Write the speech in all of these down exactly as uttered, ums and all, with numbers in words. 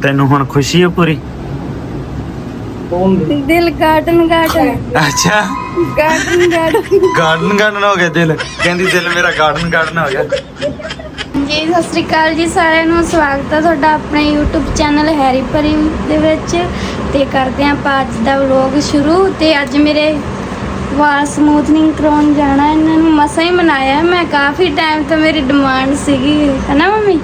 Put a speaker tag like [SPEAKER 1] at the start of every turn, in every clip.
[SPEAKER 1] ਤੈਨੂੰ ਹੁਣ ਖੁਸ਼ੀ ਹੈ ਪੂਰੀ?
[SPEAKER 2] ਦਿਲ ਗਾਰਡਨ ਗਾਰਡਨ
[SPEAKER 1] ਅੱਛਾ
[SPEAKER 2] ਗਾਰਡਨ ਗਾਰਡਨ
[SPEAKER 1] ਗਾਰਡਨ ਗਾਰਡਨ ਹੋ ਗਿਆ ਦਿਲ, ਕਹਿੰਦੀ ਦਿਲ ਮੇਰਾ ਗਾਰਡਨ ਗਾਰਡਨ ਹੋ ਗਿਆ।
[SPEAKER 2] ਜੀ ਸਤਿ ਸ੍ਰੀ ਅਕਾਲ ਜੀ ਸਾਰਿਆਂ ਨੂੰ, ਸਵਾਗਤ ਹੈ ਤੁਹਾਡਾ ਆਪਣੇ YouTube ਚੈਨਲ ਹੈਰੀ ਪਰੀ ਦੇ ਵਿੱਚ। ਤੇ ਕਰਦੇ ਹਾਂ ਆਪਾਂ ਅੱਜ ਦਾ ਵਲੌਗ ਸ਼ੁਰੂ। ਤੇ ਅੱਜ ਮੇਰੇ ਵਾਲ ਸਮੂਥਨਿੰਗ ਕਰਾਉਣ ਜਾਣਾ, ਇਹਨਾਂ ਨੂੰ ਮਸਾਂ ਹੀ ਮਨਾਇਆ। ਮੈਂ ਕਾਫੀ ਟਾਈਮ ਤੋਂ ਮੇਰੀ ਡਿਮਾਂਡ ਸੀਗੀ, ਹੈ ਨਾ ਮੰਮੀ?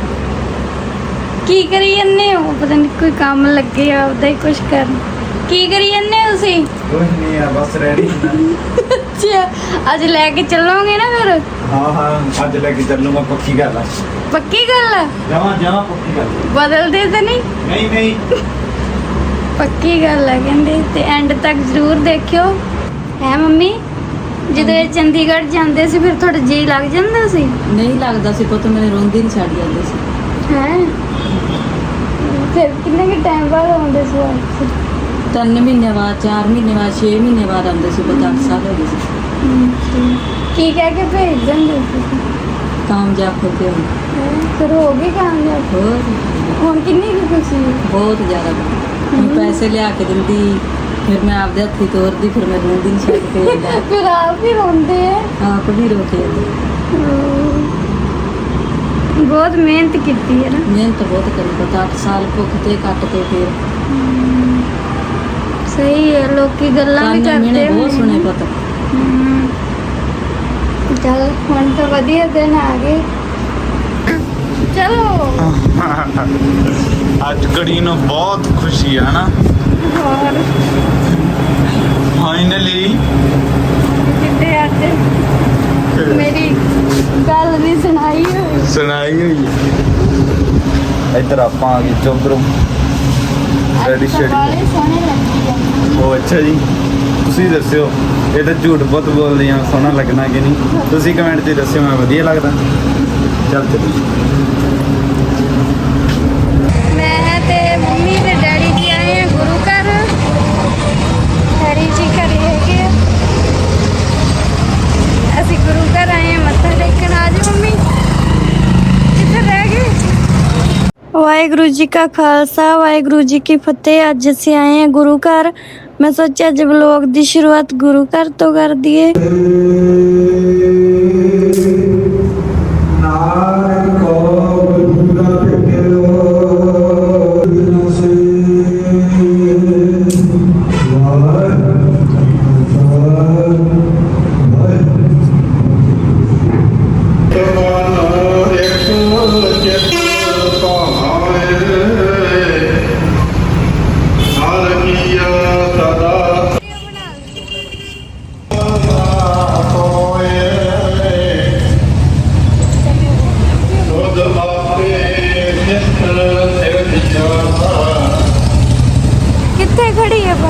[SPEAKER 2] ਕੀ ਕਰੀ ਜੰਨੇ ਹੋ? ਪਤਾ ਨਹੀਂ ਕੋਈ ਕੰਮ ਲੱਗੇ ਆ ਉਹਦਾ ਹੀ ਕੁਝ ਕਰਨ। ਕੀ ਕਰੀ ਜੰਨੇ ਹੋ ਤੁਸੀਂ?
[SPEAKER 1] ਕੁਝ ਨਹੀਂ ਆ, ਬਸ ਰੈਡੀ।
[SPEAKER 2] ਅੱਛਾ, ਅੱਜ ਲੈ ਕੇ ਚੱਲੋਗੇ ਨਾ ਫਿਰ?
[SPEAKER 1] ਹਾਂ ਹਾਂ ਅੱਜ ਲੈ ਕੇ ਚੱਲੂਗਾ, ਪੱਕੀ ਗੱਲ ਆ।
[SPEAKER 2] ਪੱਕੀ ਗੱਲ ਆ?
[SPEAKER 1] ਜਮਾ ਜਮਾ ਪੱਕੀ ਗੱਲ।
[SPEAKER 2] ਬਦਲਦੇ ਤਾਂ ਨਹੀਂ?
[SPEAKER 1] ਨਹੀਂ ਨਹੀਂ
[SPEAKER 2] ਪੱਕੀ ਗੱਲ ਆ ਕਹਿੰਦੇ। ਤੇ ਐਂਡ ਤੱਕ ਜ਼ਰੂਰ ਦੇਖਿਓ, ਹੈ ਮੰਮੀ? ਜਦੋਂ ਇਹ ਚੰਡੀਗੜ੍ਹ ਜਾਂਦੇ ਸੀ ਫਿਰ ਤੁਹਾਡਾ ਜੀ ਲੱਗ ਜਾਂਦਾ ਸੀ?
[SPEAKER 3] ਨਹੀਂ ਲੱਗਦਾ ਸੀ ਪੁੱਤ, ਮੇਰੇ ਰੋਂਦੀ ਨਹੀਂ ਛੱਡ ਜਾਂਦੇ ਸੀ।
[SPEAKER 2] ਹੈ ਫਿਰ ਕਿੰਨੇ ਕਿ ਟਾਈਮ ਬਾਅਦ ਆਉਂਦੇ ਸੀ ਵਾਪਸ?
[SPEAKER 3] ਤਿੰਨ ਮਹੀਨੇ ਬਾਅਦ, ਚਾਰ ਮਹੀਨੇ ਬਾਅਦ, ਛੇ ਮਹੀਨੇ ਬਾਅਦ ਆਉਂਦੇ ਸੀ ਪੁੱਤ। ਅੱਠ ਸਾਲ ਹੋ ਗਏ ਸੀ।
[SPEAKER 2] ਕੀ ਕਹਿ ਕੇ ਭੇਜ ਦਿੰਦੇ ਸੀ?
[SPEAKER 3] ਕਾਮਯਾਬ ਹੋ ਕੇ ਹੁਣ।
[SPEAKER 2] ਹੈਂ? ਫਿਰ ਹੋ ਗਈ ਕਾਮਯਾਬ?
[SPEAKER 3] ਹੋਰ
[SPEAKER 2] ਹੁਣ ਕਿੰਨੀ ਕੁ ਖੁਸ਼ੀ ਹੈ?
[SPEAKER 3] ਬਹੁਤ ਜ਼ਿਆਦਾ। ਹੁਣ ਪੈਸੇ ਲਿਆ ਕੇ ਦਿੰਦੀ, ਫਿਰ ਮੈਂ ਆਪਦੇ ਹੱਥੀ ਤੋਰਦੀ, ਫਿਰ ਮੈਂ ਰੋਂਦੀ ਨਹੀਂ ਛੱਡ ਕੇ ਜਾਂਦਾ।
[SPEAKER 2] ਫਿਰ ਆਪ ਹੀ ਰੋਂਦੇ ਆ?
[SPEAKER 3] ਆਪ ਵੀ ਰੋ ਕੇ ਆਉਂਦੀ।
[SPEAKER 2] ਬਹੁਤ ਮਿਹਨਤ ਕੀਤੀ ਹੈ ਨਾ?
[SPEAKER 3] ਮਿਹਨਤ ਬਹੁਤ ਕਰੀ ਪੁੱਤ, ਅੱਠ ਸਾਲ ਭੁੱਖ ਤੇ ਕੱਟ ਤੇ ਫਿਰ।
[SPEAKER 2] ਸਹੀ ਹੈ, ਲੋਕੀ ਗੱਲਾਂ ਵੀ
[SPEAKER 3] ਤਾਨੇ
[SPEAKER 2] ਕਰਦੇ
[SPEAKER 3] ਮਿਹਣੇ ਬਹੁਤ ਸੁਣੇ ਪੁੱਤ।
[SPEAKER 2] ਹਮ। ਚੱਲ ਹੁਣ ਤਾਂ ਵਧੀਆ ਦਿਨ ਆ ਗਏ। ਚਲੋ
[SPEAKER 1] ਅੱਜ ਕੁੜੀ ਨੂੰ ਬਹੁਤ ਖੁਸ਼ੀ ਹੈ ਨਾ?
[SPEAKER 2] ਹੋਰ
[SPEAKER 1] ਫਾਈਨਲੀ
[SPEAKER 2] ਕਿਤੇ ਅੱਜ ਮੇਰੀ ਗੱਲ ਨਹੀਂ ਸੁਣਾਈ ਹੋਈ।
[SPEAKER 1] ਸੁਣਾਈ ਹੋਈ ਹੈ। ਇੱਧਰ ਆਪਾਂ ਆ ਗਏ ਚੌਧਰੋਂ। ਰੈਡੀ ਸ਼ੈਡੀ
[SPEAKER 2] ਵਾਲੇ ਸੋਹਣੇ ਲੱਗੀ ਆ।
[SPEAKER 1] ਉਹ ਅੱਛਾ ਜੀ, ਤੁਸੀਂ ਦੱਸਿਓ ਇਹ ਤਾਂ ਝੂਠ ਬਹੁਤ ਬੋਲਦੀ ਆ, ਸੋਹਣਾ ਲੱਗਣਾ ਕਿ ਨਹੀਂ? ਤੁਸੀਂ ਕਮੈਂਟ 'ਚ ਦੱਸਿਓ, ਮੈਂ ਵਧੀਆ ਲੱਗਦਾ। ਚੱਲ ਚੱਲੀਏ।
[SPEAKER 2] ਮੈਂ ਤੇ ਮੰਮੀ ਤੇ ਡੈਡੀ ਜੀ ਆਏ ਆ ਗੁਰੂ ਘਰ। ਹੈਰੀ ਜੀ ਘਰੇ ਹੈਗੇ ਆ। ਅਸੀਂ ਗੁਰੂ ਘਰ ਆਏ ਆ ਮੱਥਾ ਟੇਕਣ। ਆ ਜਾਓ ਮੰਮੀ, ਕਿੱਥੇ ਰਹਿ ਗਏ? ਵਾਹਿਗੁਰੂ ਜੀ ਕਾ ਖਾਲਸਾ, ਵਾਹਿਗੁਰੂ ਜੀ ਕੀ ਫਤਿਹ। ਅੱਜ ਅਸੀਂ ਆਏ ਆ ਗੁਰੂ ਘਰ। ਮੈਂ ਸੋਚਿਆ ਅੱਜ ਵਲੋਗ ਦੀ ਸ਼ੁਰੂਆਤ ਗੁਰੂ ਘਰ ਤੋਂ ਕਰ ਦਈਏ। ਕਿੱਥੇ ਖੜੀ ਹੈ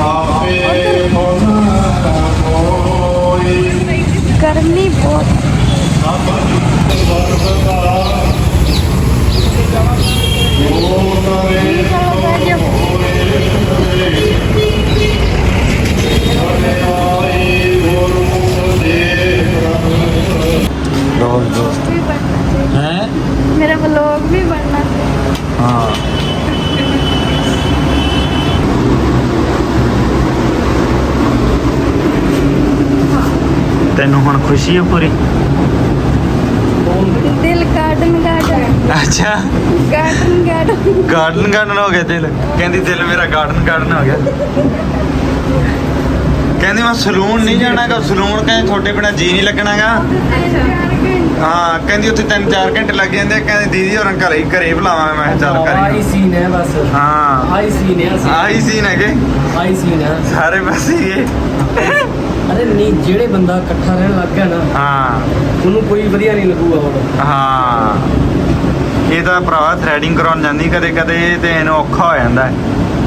[SPEAKER 2] ਗਰਮੀ ਬਹੁਤ।
[SPEAKER 1] ਹੈ
[SPEAKER 2] ਮੇਰਾ ਵਲੋਗ ਵੀ ਬਣਨਾ ਸੀ।
[SPEAKER 1] ਹਾਂ ਤੈਨੂੰ ਹੁਣ ਖੁਸ਼ੀ ਹੈ ਪੂਰੀ?
[SPEAKER 2] ਦਿਲ ਗਾਰਡਨ ਗਾਰਡਨ
[SPEAKER 1] ਅੱਛਾ
[SPEAKER 2] ਗਾਰਡਨ ਗਾਰਡਨ
[SPEAKER 1] ਗਾਰਡਨ ਗਾਰਡਨ ਹੋ ਗਿਆ ਦਿਲ, ਕਹਿੰਦੀ ਦਿਲ ਮੇਰਾ ਗਾਰਡਨ ਗਾਰਡਨ ਹੋ ਗਿਆ। ਕਹਿੰਦੀ ਮੈਂ ਸਲੂਨ ਨਹੀਂ ਜਾਣਾਗਾ। ਸਲੂਨ ਕਹਿੰਦੇ ਤੁਹਾਡੇ ਬਿਨਾ ਜੀ ਨਹੀਂ ਲੱਗਣਾਗਾ। ਹਾਂ ਕਹਿੰਦੀ ਉੱਥੇ ਤਿੰਨ ਚਾਰ ਘੰਟੇ ਲੱਗ ਜਾਂਦੇ। ਕਹਿੰਦੀ ਦੀਦੀ ਹੋਰਾਂ ਘਰੇ ਘਰੇ ਬੁਲਾਵਾਂ। ਮੈਂ ਕਿਹਾ ਚੱਲ
[SPEAKER 4] ਆਈ
[SPEAKER 1] ਕਰੀ।
[SPEAKER 4] ਸੀਨ ਹੈ ਬਸ।
[SPEAKER 1] ਹਾਂ
[SPEAKER 4] ਆਈ ਸੀਨ ਹੈ ਅਸੀਂ।
[SPEAKER 1] ਆਹੀ ਸੀਨ ਹੈਗੇ
[SPEAKER 4] ਆਈ ਸੀਨ ਹੈ
[SPEAKER 1] ਸਾਰੇ ਪਾਸੇ ਹੀ।
[SPEAKER 4] ਅਰੇ ਨਹੀਂ, ਜਿਹੜੇ ਬੰਦਾ ਇਕੱਠਾ ਰਹਿਣ ਲੱਗ ਗਿਆ ਨਾ,
[SPEAKER 1] ਹਾਂ
[SPEAKER 4] ਉਹਨੂੰ ਕੋਈ ਵਧੀਆ ਨਹੀਂ ਲੱਗੂਗਾ ਹੁਣ।
[SPEAKER 1] ਹਾਂ ਇਹ ਤਾਂ ਭਰਾਵਾ ਥ੍ਰੈਡਿੰਗ ਕਰਾਉਣ ਜਾਂਦੀ ਕਦੇ ਕਦੇ ਤੇ ਇਹਨੂੰ ਔਖਾ ਹੋ ਜਾਂਦਾ ਹੈ।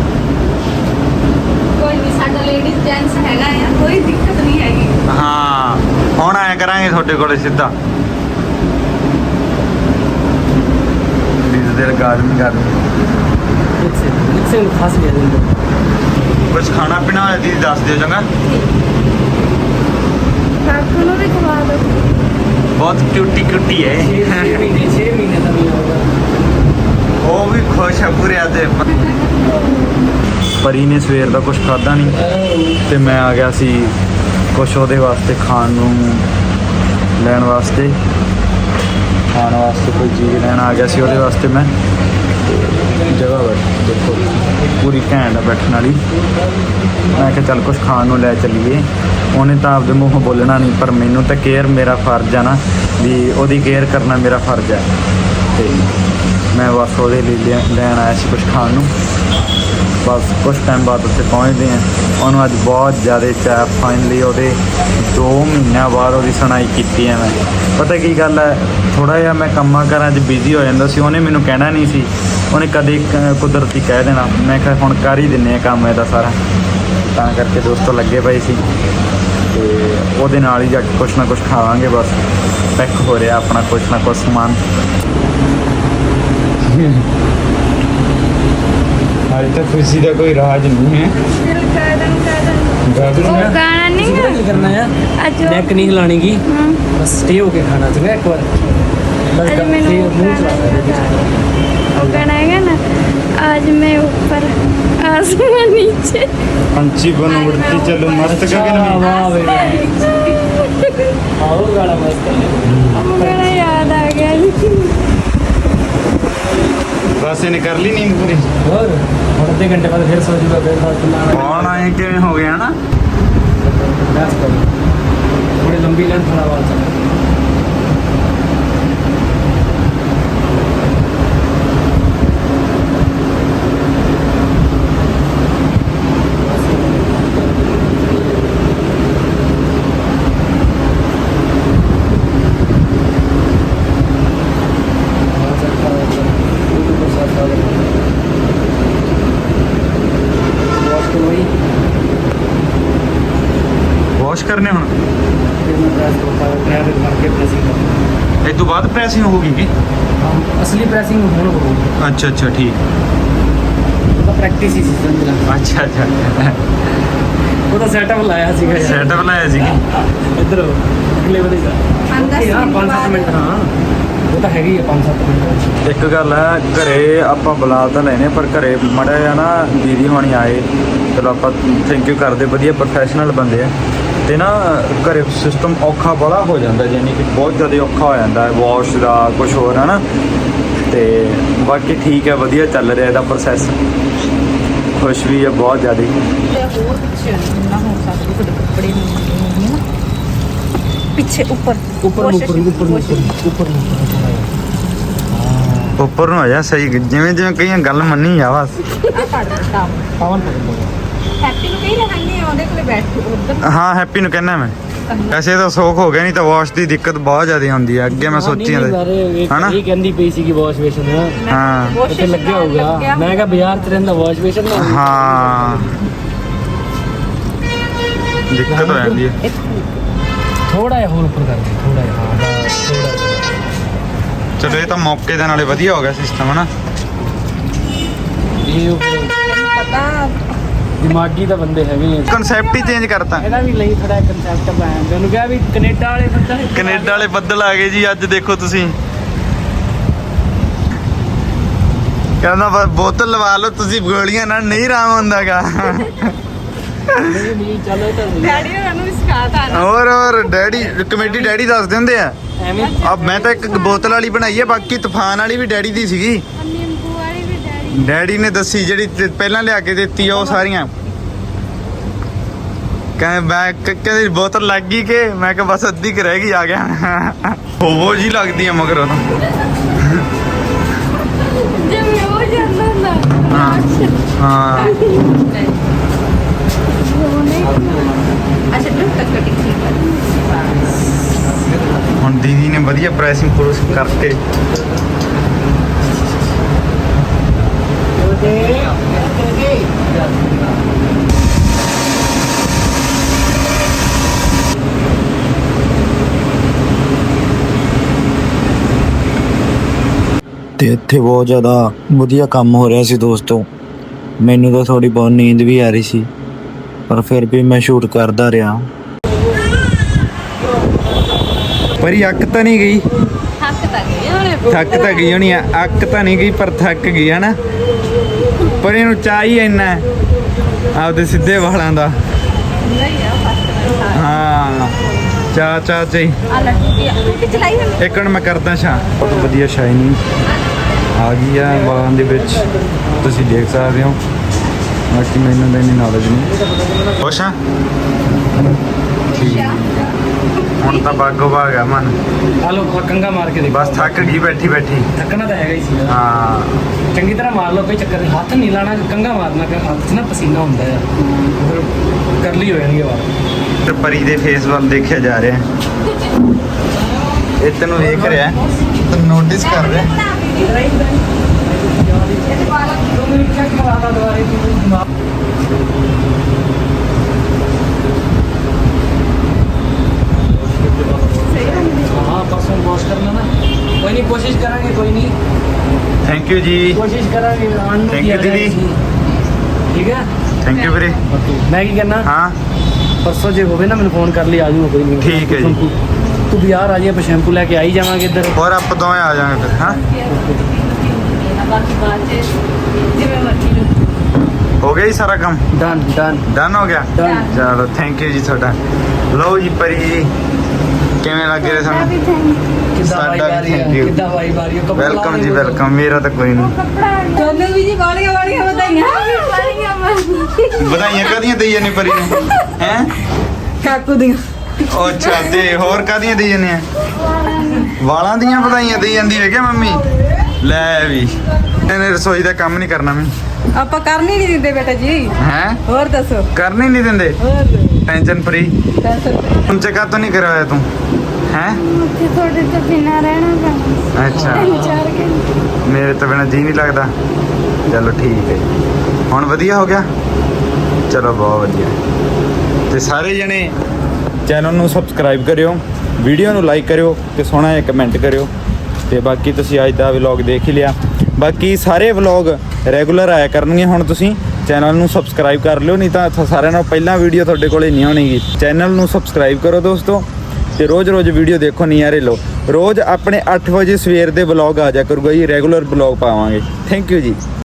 [SPEAKER 2] ਕੋਈ ਨਹੀਂ, ਸਾਡਾ ਲੇਡੀਜ਼ ਜੈਂਟਸ ਹੈਗਾ ਆ, ਕੋਈ ਦਿੱਕਤ ਨਹੀਂ ਹੈਗੀ।
[SPEAKER 1] ਹਾਂ ਹੁਣ ਆਇਆ ਕਰਾਂਗੇ ਤੁਹਾਡੇ ਕੋਲੇ ਸਿੱਧਾ। ਦਿਲ ਗਾਰਡਨ ਗਾਰਡਨ
[SPEAKER 4] ਮਿਕਸੇ ਮਿਕਸੇ ਨੂੰ ਫਸ ਗਿਆ ਦਿੰਦਾ।
[SPEAKER 1] ਕੁਝ ਖਾਣਾ ਪੀਣਾ ਹੋਇਆ ਦੀਦੀ ਦੱਸ ਦਿਓ ਚੰਗਾ।
[SPEAKER 2] ਕਾਕੂ ਨੂੰ ਵੀ ਖਵਾ ਦਿਓ।
[SPEAKER 1] ਬਹੁਤ ਕਿਊਟੀ ਕਿਊਟੀ ਹੈ।
[SPEAKER 4] ਛੇ ਮਹੀਨੇ ਛੇ ਮਹੀਨੇ ਦਾ ਨਹੀਂ ਹੋਗਾ।
[SPEAKER 1] ਉਹ ਵੀ ਖੁਸ਼ ਆ ਪੂਰੇ ਅੱਜ। ਪਰੀ ਨੇ ਸਵੇਰ ਦਾ ਕੁਝ ਖਾਦਾ ਨਹੀਂ ਤੇ ਮੈਂ ਆ ਗਿਆ ਸੀ ਕੁਛ ਉਹਦੇ ਵਾਸਤੇ ਖਾਣ ਨੂੰ ਲੈਣ ਵਾਸਤੇ ਖਾਣ ਵਾਸਤੇ ਕੋਈ ਚੀਜ਼ ਲੈਣ ਆ ਗਿਆ ਸੀ ਉਹਦੇ ਵਾਸਤੇ ਮੈਂ। ਜਗ੍ਹਾ ਬੈਠ ਦੇਖੋ ਪੂਰੀ ਘੈਂਟ ਆ ਬੈਠਣ ਵਾਲੀ। ਮੈਂ ਕਿਹਾ ਚੱਲ ਕੁਛ ਖਾਣ ਨੂੰ ਲੈ ਚੱਲੀਏ। ਉਹਨੇ ਤਾਂ ਆਪਦੇ ਮੂੰਹੋਂ ਬੋਲਣਾ ਨਹੀਂ ਪਰ ਮੈਨੂੰ ਤਾਂ ਕੇਅਰ ਮੇਰਾ ਫਰਜ਼ ਆ ਨਾ ਵੀ ਉਹਦੀ ਕੇਅਰ ਕਰਨਾ ਮੇਰਾ ਫਰਜ਼ ਹੈ। ਤੇ ਮੈਂ ਬਸ ਉਹਦੇ ਲਈ ਲਿਆ- ਲੈਣ ਆਇਆ ਸੀ ਕੁਛ ਖਾਣ ਨੂੰ। ਬਸ ਕੁਛ ਟਾਈਮ ਬਾਅਦ ਉੱਥੇ ਪਹੁੰਚਦੇ ਹਾਂ। ਉਹਨੂੰ ਅੱਜ ਬਹੁਤ ਜ਼ਿਆਦਾ ਚਾਹ ਫਾਈਨਲੀ ਉਹਦੇ ਦੋ ਮਹੀਨਿਆਂ ਬਾਅਦ ਉਹਦੀ ਸੁਣਾਈ ਕੀਤੀ ਹੈ। ਮੈਂ ਪਤਾ ਕੀ ਗੱਲ ਹੈ ਥੋੜ੍ਹਾ ਜਿਹਾ ਮੈਂ ਕੰਮਾਂ ਕਾਰਾਂ 'ਚ ਬਿਜ਼ੀ ਹੋ ਜਾਂਦਾ ਸੀ। ਉਹਨੇ ਮੈਨੂੰ ਕਹਿਣਾ ਨਹੀਂ ਸੀ, ਉਹਨੇ ਕਦੇ ਕ- ਕੁਦਰਤੀ ਕਹਿ ਦੇਣਾ। ਮੈਂ ਕਿਹਾ ਹੁਣ ਕਰ ਹੀ ਦਿੰਦੇ ਹਾਂ ਕੰਮ ਇਹਦਾ ਸਾਰਾ। ਤਾਂ ਕਰਕੇ ਦੋਸਤੋ ਲੱਗੇ ਪਏ ਸੀ ਤੇ ਉਹਦੇ ਨਾਲ ਹੀ ਜਾ ਕੇ ਕੁਛ ਨਾ ਕੁਛ ਖਾਵਾਂਗੇ। ਬਸ ਪੈਕ ਹੋ ਰਿਹਾ ਆਪਣਾ ਕੁਛ ਨਾ ਕੁਛ ਸਮਾਨ। ਅੱਜ ਤਾਂ ਖੁਸ਼ੀ ਦਾ ਕੋਈ ਰਾਜ ਨਹੀਂ ਹੈ।
[SPEAKER 2] ਉਹ ਗਾਣਾ ਨਹੀਂ ਗਾ?
[SPEAKER 4] ਕੀ ਕਰਨਾ ਹੈ
[SPEAKER 2] ਅੱਜ
[SPEAKER 4] ਨੈਕ ਨਹੀਂ ਹਿਲਾਣੀ ਗੀ
[SPEAKER 2] ਹਮ,
[SPEAKER 4] ਬਸ ਸਟੇ ਹੋ ਕੇ ਖਾਣਾ ਚੰਗਾ ਇੱਕ ਵਾਰ ਬਸ
[SPEAKER 2] ਅੱਜ
[SPEAKER 4] ਕਰ-
[SPEAKER 2] ਮੈਨੂੰ
[SPEAKER 4] ਤੇ ਮੂੰਹ ਚਲਾ
[SPEAKER 2] ਉਹ ਗਾਣਾ ਹੈਗਾ ਨਾ आज मैं ऊपर आसमान नीचे।
[SPEAKER 1] पंछी बन उड़ती चलो मस्त गगन में।
[SPEAKER 4] ਵਾਹ ਵੇ ਆਓ ਗਾਣਾ ਮਸਤ
[SPEAKER 2] वो गाना याद आ गया।
[SPEAKER 1] बस इन्हें कर ली नींद पूरी।
[SPEAKER 4] ਹੋਰ ਹੁਣ ਅੱਧੇ ਘੰਟੇ ਬਾਅਦ ਫਿਰ ਸੋ ਜੂਗਾ ਫਿਰ ਬਾਅਦ ਨਾਲ
[SPEAKER 1] कौन आए किवें हो गया ना।
[SPEAKER 4] ਬਸ ਕਰੋ ਥੋੜੀ ਲੰਬੀ ਲੈਂਥ ਵਾਲਾ ਵਾਲ ਚੱਲ
[SPEAKER 1] वॉश करने हुण
[SPEAKER 4] मार्केट
[SPEAKER 1] ਇਹ ਤੋਂ ਬਾਅਦ ਪ੍ਰੈਸਿੰਗ ਹੋਊਗੀ ਕਿ
[SPEAKER 4] असली प्रेसिंग ਹੁਣ ਹੋਊਗੀ
[SPEAKER 1] ਅੱਛਾ ਅੱਛਾ ਠੀਕ।
[SPEAKER 4] ਉਹਦਾ ਪ੍ਰੈਕਟਿਸ ਹੀ ਸੀ ਸਮਝਣਾ
[SPEAKER 1] ਅੱਛਾ ਅੱਛਾ
[SPEAKER 4] ਉਹਦਾ ਸੈਟਅਪ ਲਾਇਆ ਸੀਗਾ ਯਾਰ
[SPEAKER 1] ਸੈਟਅਪ ਲਾਇਆ ਸੀ
[SPEAKER 4] ਇੱਧਰ ਅਗਲੇ ਵਾਲੇ ਦਾ ਹਾਂ ਪੰਜ ਸੱਤ ਮਿੰਟ ਹਾਂ ਉਹ ਤਾਂ ਹੈਗੀ ਆ ਪੰਜ ਸੱਤ ਮਿੰਟ
[SPEAKER 1] ਇੱਕ ਗੱਲ ਹੈ ਘਰੇ ਆਪਾਂ ਬੁਲਾ ਤਾਂ ਲੈਨੇ ਪਰ ਘਰੇ ਮੜਾ ਜਿਹਾ ਨਾ ਦੀਦੀ ਹੋਣੀ ਆਏ ਚਲੋ ਆਪਾਂ ਥੈਂਕ ਯੂ ਕਰਦੇ ਵਧੀਆ ਪ੍ਰੋਫੈਸ਼ਨਲ ਬੰਦੇ ਆ ਤੇ ਨਾ ਘਰੇ ਸਿਸਟਮ ਔਖਾ ਬੜਾ ਹੋ ਜਾਂਦਾ ਯਾਨੀ ਕਿ ਬਹੁਤ ਜ਼ਿਆਦਾ ਔਖਾ ਹੋ ਜਾਂਦਾ ਹੈ ਵਾਸ਼ ਦਾ ਕੁਝ ਹੋਰ ਹੈ ਨਾ। ਤੇ ਬਾਕੀ ਠੀਕ ਹੈ ਵਧੀਆ ਚੱਲ ਰਿਹਾ ਇਹਦਾ ਪ੍ਰੋਸੈਸ। ਖੁਸ਼ ਵੀ ਹੈ ਬਹੁਤ ਜ਼ਿਆਦਾ।
[SPEAKER 3] ਹੋਰ ਪਿੱਛੇ ਜਿੰਨਾ ਹੋ ਸਕਦਾ ਤੁਹਾਡੇ ਕੱਪੜੇ ਨੂੰ ਨਾ ਪਿੱਛੇ ਉੱਪਰ
[SPEAKER 4] ਉੱਪਰ ਨੂੰ ਉੱਪਰ ਨੂੰ ਉੱਪਰ ਨੂੰ ਉੱਪਰ ਨੂੰ
[SPEAKER 1] ਉੱਪਰ ਨੂੰ ਆ ਜਾ ਸਹੀ ਜਿਵੇਂ ਜਿਵੇਂ ਕਈਆਂ ਗੱਲ ਮੰਨੀ ਆ ਬਸ।
[SPEAKER 3] ਆ ਪੜ ਦਿੱਤਾ
[SPEAKER 4] ਪਾਵਨ
[SPEAKER 3] ਹੈਪੀ ਨੂੰ ਕਹੀ ਰਹਿੰਦੇ ਆ ਉਹਦੇ ਕੋਲੇ ਬੈਠ ਉੱਧਰ
[SPEAKER 1] ਹਾਂ ਹੈਪੀ ਨੂੰ ਕਹਿਣਾ ਮੈਂ ਵੈਸੇ ਤਾਂ ਸੌਖ ਹੋ ਗਿਆ ਨਹੀਂ ਤਾਂ ਵਾਸ਼ ਦੀ ਦਿੱਕਤ ਬਹੁਤ ਜ਼ਿਆਦਾ ਹੁੰਦੀ ਹੈ ਅੱਗੇ ਮੈਂ ਸੋਚੀ ਜਾਂਦਾ ਹਨਾ।
[SPEAKER 4] ਇਹ ਕਹਿੰਦੀ ਪਈ ਸੀ ਕਿ ਵਾਸ਼ ਬੇਸ਼ਨ
[SPEAKER 1] ਹਾਂ
[SPEAKER 4] ਇੱਥੇ ਲੱਗਿਆ ਹੋਊਗਾ ਮੈਂ ਕਿਹਾ ਬਾਜ਼ਾਰ ਚ ਰਹਿੰਦਾ ਵਾਸ਼ ਬੇਸ਼ਨ ਨਾ
[SPEAKER 1] ਹਾਂ ਦਿੱਕਤ ਹੋ ਜਾਂਦੀ ਹੈ।
[SPEAKER 4] ਥੋੜਾ ਜਿਹਾ ਹੋਰ ਉੱਪਰ ਕਰ ਦੇ ਥੋੜਾ ਜਿਹਾ ਹਾਂ ਬਸ ਥੋੜਾ ਜਿਹਾ
[SPEAKER 1] ਚਲੋ ਇਹ ਤਾਂ ਮੌਕੇ ਦੇ ਨਾਲੇ ਵਧੀਆ ਹੋ ਗਿਆ ਸਿਸਟਮ ਹਨਾ।
[SPEAKER 4] ਇਹ ਉੱਪਰ
[SPEAKER 3] ਪਤਾ
[SPEAKER 4] ਦਿਮਾਗੀ ਤਾਂ ਬੰਦੇ ਹੈਗੇ ਆ
[SPEAKER 1] ਕਨਸੈਪਟ ਹੀ ਚੇਂਜ ਕਰਤਾ।
[SPEAKER 4] ਇਹਦਾ ਵੀ ਲਈ ਥੋੜਾ ਕਨਸੈਪਟ ਪਾਇਆ ਮੈਨੂੰ ਕਿਹਾ ਵੀ ਕੈਨੇਡਾ ਵਾਲੇ ਬੰਦਾ
[SPEAKER 1] ਕੈਨੇਡਾ ਵਾਲੇ ਬੱਦਲ ਆ ਗਏ ਜੀ ਅੱਜ ਦੇਖੋ ਤੁਸੀਂ। ਕਹਿੰਦਾ ਬਸ ਬੋਤਲ ਲਵਾ ਲਓ ਤੁਸੀਂ ਗੋਲੀਆਂ ਨਾਲ ਨਹੀਂ ਆਰਾਮ ਹੁੰਦਾਗਾ।
[SPEAKER 4] ਨਹੀਂ ਨਹੀਂ ਚੱਲ ਇਹ ਤਾਂ ਨਹੀਂ।
[SPEAKER 3] ਡੈਡੀ ਹੋਰਾਂ ਨੂੰ ਵੀ ਸਿਖਾਤਾ ਨਾ
[SPEAKER 1] ਹੋਰ ਹੋਰ ਡੈਡੀ ਕਮੇਟੀ ਡੈਡੀ ਦੱਸਦੇ ਹੁੰਦੇ ਆ।
[SPEAKER 4] ਐਵੇਂ
[SPEAKER 1] ਆ ਮੈਂ ਤਾਂ ਇੱਕ ਬੋਤਲ ਵਾਲੀ ਬਣਾਈ ਹੈ ਬਾਕੀ ਤੂਫਾਨ ਵਾਲੀ ਵੀ ਡੈਡੀ ਦੀ ਸੀਗੀ।
[SPEAKER 2] ਨਿੰਬੂ ਵਾਲੀ ਵੀ ਡੈਡੀ
[SPEAKER 1] ਡੈਡੀ ਨੇ ਦੱਸੀ ਜਿਹੜੀ ਤੇ ਪਹਿਲਾਂ ਲਿਆ ਕੇ ਦਿੱਤੀ ਆ ਉਹ ਸਾਰੀਆਂ ਕਹਿੰਦੇ ਮੈਂ ਕ- ਕਹਿੰਦੇ ਬੋਤਲ ਲੱਗ ਗਈ ਕਿ ਮੈਂ ਕਿਹਾ ਬਸ ਅੱਧੀ ਕੁ ਰਹਿ ਗਈ ਆ ਗਿਆ। ਹੋਵੋ ਜੀ ਲੱਗਦੀ ਆ ਮਗਰ ਉਹ
[SPEAKER 2] ਜਿਵੇਂ ਹੋ ਜਾਂਦਾ ਹੁੰਦਾ
[SPEAKER 1] ਹਾਂ ਹਾਂ
[SPEAKER 3] ਅੱਛਾ ਟੁੱਟ ਟੱਕ ਟਿਕ
[SPEAKER 1] ਹੁਣ ਦੀਦੀ ਨੇ ਵਧੀਆ ਪ੍ਰੈਸਿੰਗ ਪ੍ਰੂਸ ਕਰਕੇ
[SPEAKER 5] ਤੇ ਇੱਥੇ ਬਹੁਤ ਜ਼ਿਆਦਾ ਵਧੀਆ ਕੰਮ ਹੋ ਰਿਹਾ ਸੀ ਦੋਸਤੋ। ਮੈਨੂੰ ਤਾਂ ਥੋੜੀ ਬਹੁਤ ਨੀਂਦ ਵੀ ਆ ਰਹੀ ਸੀ ਪਰ ਫਿਰ ਵੀ ਮੈਂ ਸ਼ੂਟ ਕਰਦਾ ਰਿਹਾ।
[SPEAKER 1] ਪਰੀ ਅੱਕ ਤਾਂ ਨਹੀਂ ਗਈ।
[SPEAKER 3] ਹੱਕ ਤਾਂ ਗਏ ਉਹਨੇ
[SPEAKER 1] ਥੱਕ ਤਾਂ ਗਈ ਹੋਣੀ ਆ, ਅੱਕ ਤਾਂ ਨਹੀਂ ਗਈ ਪਰ ਥੱਕ ਗਈ ਹੈ ਨਾ। ਪਰ ਇਹਨੂੰ ਚਾਹ ਹੀ ਇੰਨਾ ਹੈ ਆਪਦੇ ਸਿੱਧੇ ਵਾਲਾਂ ਦਾ। ਹਾਂ ਚਾਹ ਚਾਹ ਚਾਹੀ ਇੱਕ ਮਿੰਟ ਮੈਂ ਕਰਦਾ ਸ਼ਾ। ਬਹੁਤ ਵਧੀਆ ਸ਼ਾਈਨਿੰਗ ਆ ਗਈ ਆ ਵਾਲਾਂ ਦੇ ਵਿੱਚ, ਤੁਸੀਂ ਦੇਖ ਸਕਦੇ ਹੋ। ਬਾਕੀ ਮੈਨੂੰ ਤਾਂ ਇੰਨੀ ਨੌਲੇਜ ਨਹੀਂ। ਖੁਸ਼ ਆ? ਠੀਕ ਹੁਣ ਤਾਂ ਬਾਗੋ ਬਾਗ ਆ ਮਨ।
[SPEAKER 4] ਆ ਲੋ ਕੰਗਾ ਮਾਰ ਕੇ ਦੇਖੋ।
[SPEAKER 1] ਬਸ ਥੱਕ ਗਈ ਬੈਠੀ ਬੈਠੀ।
[SPEAKER 4] ਥੱਕਣਾ ਤਾਂ ਹੈਗਾ ਹੀ ਸੀ।
[SPEAKER 1] ਹਾਂ
[SPEAKER 4] ਚੰਗੀ ਤਰ੍ਹਾਂ ਮਾਰ ਲਓ, ਕੋਈ ਚੱਕਰ ਨਹੀਂ। ਹੱਥ ਨਹੀਂ ਲਾਣਾ, ਕੰਗਾ ਮਾਰਨਾ, ਕਿ ਹੱਥ 'ਚ ਨਾ ਪਸੀਨਾ ਹੁੰਦਾ ਆ, ਫਿਰ ਕਰਲੀ ਹੋ ਜਾਣਗੇ ਵਾਲ।
[SPEAKER 1] ਤੇ ਪਰੀ ਦੇ ਫੇਸ ਵੱਲ ਦੇਖਿਆ ਜਾ ਰਿਹਾ। ਇਹ ਤੈਨੂੰ ਵੇਖ ਰਿਹਾ, ਤੈਨੂੰ ਨੋਟਿਸ ਕਰ ਰਿਹਾ।
[SPEAKER 4] हाँ परसों वॉश करना ना, कोई नहीं, कोशिश करेंगे, कोई नहीं,
[SPEAKER 1] ਥੈਂਕ ਯੂ ਜੀ।
[SPEAKER 4] कोशिश करेंगे। आने
[SPEAKER 1] Thank
[SPEAKER 4] की
[SPEAKER 1] you,
[SPEAKER 4] आ जाएगी।
[SPEAKER 1] दीदी।
[SPEAKER 4] ठीक है,
[SPEAKER 1] ਥੈਂਕ ਯੂ ਵੀਰੇ।
[SPEAKER 4] मैं की करना
[SPEAKER 1] ਹਾਂ
[SPEAKER 4] परसों जो होवे ना, मैंने फोन कर लिया, आ जाऊंगा, कोई नहीं।
[SPEAKER 1] ठीक है जी।
[SPEAKER 4] तू भी यार आ जाइए, ਆਪਾਂ शैम्पू लेके आ ही जावांगे इधर।
[SPEAKER 1] ਹੋਰ ਆਪਾਂ ਦੋਵੇਂ ਆ ਜਾਵਾਂਗੇ ਫਿਰ। ਹਾਂ ਹੋ ਗਿਆ ਜੀ ਸਾਰਾ ਕੰਮ?
[SPEAKER 4] डन डन
[SPEAKER 1] ਡਨ ਹੋ ਗਿਆ।
[SPEAKER 4] Done।
[SPEAKER 1] ਚਲੋ ਥੈਂਕ ਯੂ ਜੀ ਤੁਹਾਡਾ। ਲਓ ਜੀ ਪਰੀ ਜੀ, ਕਿਵੇਂ ਲੱਗ ਰਿਹਾ
[SPEAKER 2] ਸਾਡਾ ਵੀ
[SPEAKER 1] ਸਾਨੂੰ?
[SPEAKER 2] thank you।
[SPEAKER 1] ਸਾਡਾ ਵੀ ਥੈਂਕ ਯੂ।
[SPEAKER 4] कितना वाई बारी हो, कपड़ा
[SPEAKER 1] ਵੈਲਕਮ
[SPEAKER 4] ला
[SPEAKER 1] ਜੀ
[SPEAKER 4] दे।
[SPEAKER 1] ਵੈਲਕਮ। ਮੇਰਾ ਤਾਂ ਕੋਈ ਨਹੀਂ।
[SPEAKER 2] ਕੱਪੜਾ
[SPEAKER 3] ਤੁਹਾਨੂੰ ਵੀ ਜੀ ਵਾਲੀਆਂ ਵਾਲੀਆਂ ਵਧਾਈਆਂ।
[SPEAKER 2] ਵਾਲੀਆਂ ਵਾਲੀਆਂ
[SPEAKER 1] ਵਧਾਈਆਂ ਕਾਹਦੀਆਂ ਦੇਈ ਜਾਂਦੇ ਪਰੀ ਨੂੰ? ਹੈ
[SPEAKER 3] ਕਾਕੂ ਦੀਆਂ।
[SPEAKER 1] ਉਹ ਅੱਛਾ, ਤੇ ਹੋਰ ਕਾਹਦੀਆਂ ਦੇਈ ਜਾਂਦੇ ਆ? ਵਾਲਾਂ ਦੀਆਂ ਵਧਾਈਆਂ ਦੇਈ ਜਾਂਦੀ ਹੈ ਕਿ ਮੰਮੀ? ਲੈ ਵੀ ਇਹਨੇ ਰਸੋਈ ਦਾ ਕੰਮ ਨਹੀਂ ਕਰਨਾ ਮੈਂ।
[SPEAKER 3] ਆਪਾਂ ਕਰਨੀ ਨਹੀਂ ਦਿੰਦੇ ਬੇਟਾ ਜੀ।
[SPEAKER 1] ਹੈ
[SPEAKER 3] ਹੋਰ ਦੱਸੋ।
[SPEAKER 1] ਕਰਨੀ ਨਹੀਂ ਦਿੰਦੇ?
[SPEAKER 3] ਹੋਰ
[SPEAKER 1] ਟੈਨਸ਼ਨ ਫਰੀ।
[SPEAKER 3] ਦੱਸੋ।
[SPEAKER 1] ਹੁਣ ਚੱਕਾ ਤੋਂ ਨਹੀਂ ਕਰਵਾਇਆ ਤੂੰ? ਹੈ
[SPEAKER 2] ਉੱਥੇ ਤੁਹਾਡੇ ਤੋਂ ਬਿਨਾਂ ਰਹਿਣਾ ਪੈਣਾ
[SPEAKER 1] ਅੱਛਾ,
[SPEAKER 2] ਤਿੰਨ ਚਾਰ ਘੰਟੇ।
[SPEAKER 1] ਮੇਰੇ ਤੋਂ ਬਿਨਾਂ ਜੀ ਨਹੀਂ ਲੱਗਦਾ। ਚਲੋ ਠੀਕ ਹੈ, ਹੁਣ ਵਧੀਆ ਹੋ ਗਿਆ। ਚਲੋ ਬਹੁਤ ਵਧੀਆ। ਤੇ ਸਾਰੇ ਜਣੇ ਚੈਨਲ ਨੂੰ ਸਬਸਕ੍ਰਾਈਬ ਕਰਿਓ, ਵੀਡੀਓ ਨੂੰ ਲਾਈਕ ਕਰਿਓ ਤੇ ਸੋਹਣਾ ਜਿਹਾ ਕਮੈਂਟ ਕਰਿਓ। ਤੇ ਬਾਕੀ ਤੁਸੀਂ ਅੱਜ ਦਾ ਵਲੌਗ ਦੇਖ ਹੀ ਲਿਆ। ਬਾਕੀ ਸਾਰੇ ਵਲੌਗ ਰੈਗੂਲਰ ਆਇਆ ਕਰਨਗੇ। ਹੁਣ ਤੁਸੀਂ ਚੈਨਲ ਨੂੰ ਸਬਸਕ੍ਰਾਈਬ ਕਰ ਲਿਓ, ਨਹੀਂ ਤਾਂ ਸਾਰਿਆਂ ਨਾਲੋਂ ਪਹਿਲਾਂ ਵੀਡੀਓ ਤੁਹਾਡੇ ਕੋਲੇ ਨਹੀਂ ਆਉਣੀਗੀ। ਚੈਨਲ ਨੂੰ ਸਬਸਕ੍ਰਾਈਬ ਕਰੋ ਦੋਸਤੋ, ਤੇ ਰੋਜ਼-ਰੋਜ਼ ਵੀਡੀਓ ਦੇਖੋ, ਨਜ਼ਾਰੇ ਲਓ। ਰੋਜ਼ ਆਪਣੇ ਅੱਠ ਵਜੇ ਸਵੇਰ ਦੇ ਵਲੌਗ ਆ ਜਾ ਕਰੂਗਾ ਜੀ, ਰੈਗੂਲਰ ਵਲੌਗ ਪਾਵਾਂਗੇ। ਥੈਂਕ ਯੂ ਜੀ।